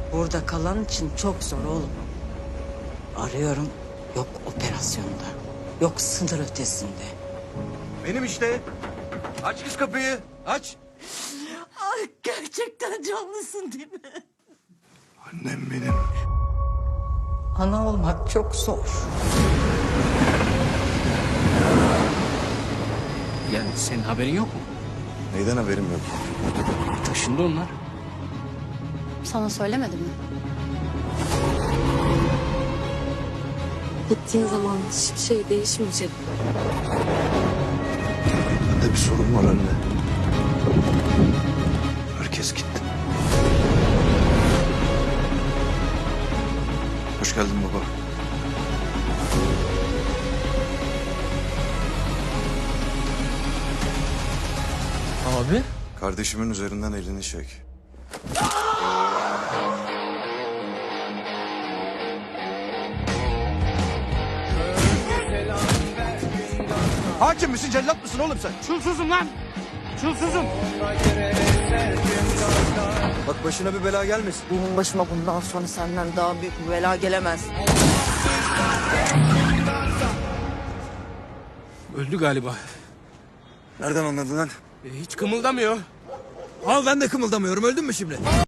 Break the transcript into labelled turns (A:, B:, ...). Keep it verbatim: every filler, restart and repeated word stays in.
A: Burada kalan için çok zor oğlum. Arıyorum, yok operasyonda, yok sınır ötesinde.
B: Benim işte. Aç kız kapıyı. Aç.
A: Ay gerçekten canlısın değil mi?
B: Annem benim.
A: Ana olmak çok zor.
C: Yani senin haberin yok mu?
B: Neyden haberim yok?
C: Taşındı onlar.
D: Sana söylemedim mi? Gittiğin zaman hiçbir şey değişmeyecek.
B: Bende bir sorun var anne. Herkes gitti. Hoş geldin baba.
C: Abi?
B: Kardeşimin üzerinden elini çek. Hakim misin, cellat mısın oğlum sen?
C: Çulsuzum lan! Çulsuzum!
B: Bak başına bir bela gelmesin.
A: Benim başıma bundan sonra senden daha büyük bir bela gelemez.
C: Öldü galiba.
B: Nereden anladın lan?
C: E, hiç kımıldamıyor.
B: Al ben de kımıldamıyorum. Öldün mü şimdi?